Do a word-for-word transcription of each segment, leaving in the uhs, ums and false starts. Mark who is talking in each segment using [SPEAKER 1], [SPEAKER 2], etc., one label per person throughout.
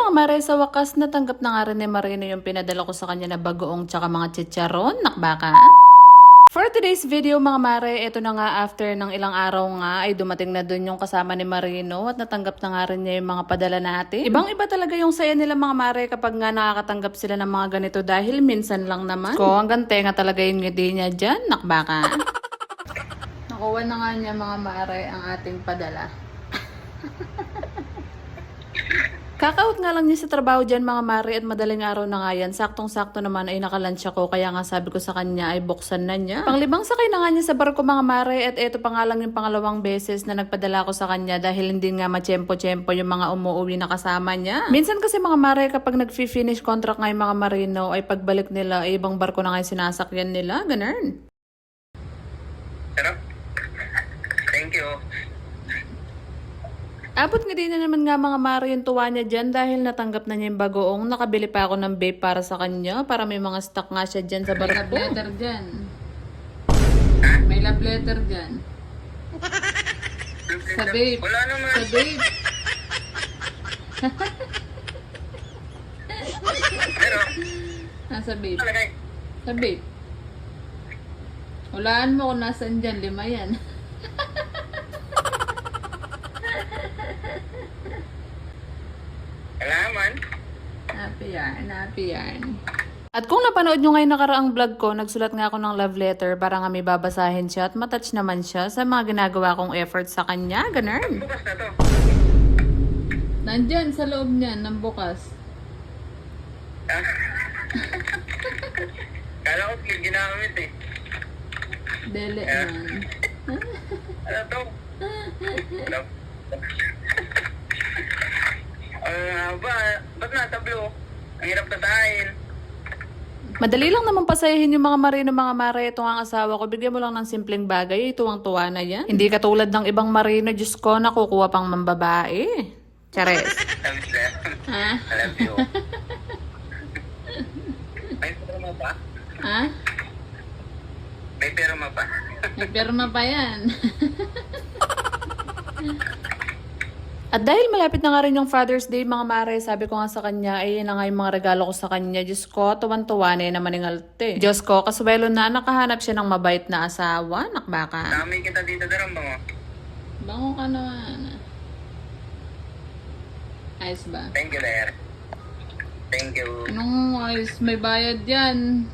[SPEAKER 1] mga mare, sa wakas natanggap na nga rin ni Marino yung pinadala ko sa kanya na bagoong tsaka mga chicharon. Nakbaka? For today's video mga mare, ito na nga after ng ilang araw nga ay dumating na dun yung kasama ni Marino at natanggap na nga rin niya yung mga padala natin. Ibang iba talaga yung saya nila mga mare kapag nga nakakatanggap sila ng mga ganito dahil minsan lang naman. Ko, hanggang tenga talaga yung ngiti niya dyan. Nakbaka? Nakuha na nga niya mga mare ang ating padala. Kakaut nga lang niya sa trabaho dyan mga mare at madaling araw na nga yan. Saktong-sakto naman ay nakalunch ako kaya nga sabi ko sa kanya ay buksan na niya. Panglibang sakay na nga niya sa barko mga mare at eto pa nga lang yung pangalawang beses na nagpadala ko sa kanya dahil hindi nga machempo-chempo yung mga umuwi na kasama niya. Minsan kasi mga mare kapag nag-finish contract nga yung mga marino ay pagbalik nila ay ibang barko na nga yung sinasakyan nila. Ganun.
[SPEAKER 2] Sarap. Thank you.
[SPEAKER 1] Abot nga din na naman nga mga mare yung tuwa niya dyan dahil natanggap na niya yung bagoong. Nakabili pa ako ng vape para sa kanya para may mga stock nga siya dyan sa barko. May love letter dyan. May love letter dyan. Sa vape.
[SPEAKER 2] Wala naman.
[SPEAKER 1] Sa vape.
[SPEAKER 2] Pero,
[SPEAKER 1] Ah, sa vape.
[SPEAKER 2] talagay.
[SPEAKER 1] Sa vape. Hulaan mo kung nasan dyan. Lima yan.
[SPEAKER 2] Alaman.
[SPEAKER 1] Happy yarn, happy yarn. At kung napanood nyo ngayon nakaraang vlog ko, nagsulat nga ako ng love letter para nga may babasahin siya at matouch naman siya sa mga ginagawa kong effort sa kanya. Ganun.
[SPEAKER 2] Bukas na to.
[SPEAKER 1] Nandyan sa loob niyan, ng bukas.
[SPEAKER 2] Ah. Kala ko ginamit eh.
[SPEAKER 1] Dele
[SPEAKER 2] Ah.
[SPEAKER 1] man.
[SPEAKER 2] Ano to? Ano? Ah, ba? Ba't natablo? Ang hirap tasahin.
[SPEAKER 1] Madali lang naman pasayahin yung mga marino mga mare. Ito ang asawa ko. Bigyan mo lang ng simpleng bagay. Tuwang-tuwa na yan. Hindi katulad ng ibang marino. Diyos ko, nakukuha pang mambabae. Chares.
[SPEAKER 2] Sabi sila.
[SPEAKER 1] Ha?
[SPEAKER 2] I love you. May perma pa?
[SPEAKER 1] Ha?
[SPEAKER 2] May perma pa?
[SPEAKER 1] May pirma pa yan. At dahil malapit na nga rin yung Father's Day, mga mare, sabi ko nga sa kanya, ay yun na nga yung mga regalo ko sa kanya. Diyos ko, tuwan-tuwa na yun naman yung alte. Diyos ko, kaswelo na, nakahanap siya ng mabait na asawa. Nakbaka.
[SPEAKER 2] Dami kita dito darang bango.
[SPEAKER 1] Bango ka naman. Ayos ba?
[SPEAKER 2] Thank you, Lair. Thank you.
[SPEAKER 1] Anong ayos? May bayad yan.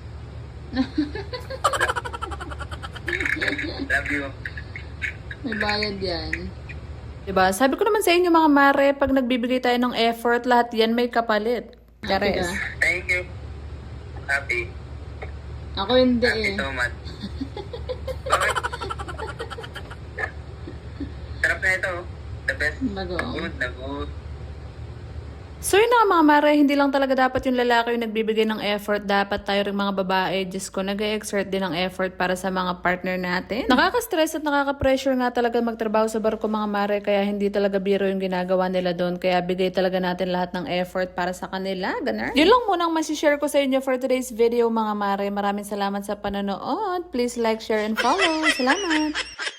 [SPEAKER 2] Love you.
[SPEAKER 1] May bayad yan. Diba? Sabi ko naman sa inyo mga mare, pag nagbibigay tayo ng effort, lahat yan may kapalit. Chares.
[SPEAKER 2] Thank you. Happy.
[SPEAKER 1] Ako hindi
[SPEAKER 2] Happy
[SPEAKER 1] eh.
[SPEAKER 2] so much. Bakit? Sarap na ito. The best.
[SPEAKER 1] Bagoong.
[SPEAKER 2] Good na good.
[SPEAKER 1] So yun na nga mga mare, hindi lang talaga dapat yung lalaki yung nagbibigay ng effort. Dapat tayo rin mga babae, Diyos ko, nag-exert din ng effort para sa mga partner natin. Nakaka-stress at nakaka-pressure nga talaga magtrabaho sa barko mga mare, kaya hindi talaga biro yung ginagawa nila doon. Kaya bigay talaga natin lahat ng effort para sa kanila. Ganun. Yun lang muna ang masishare ko sa inyo for today's video mga mare. Maraming salamat sa panonood. Please like, share, and follow. Salamat!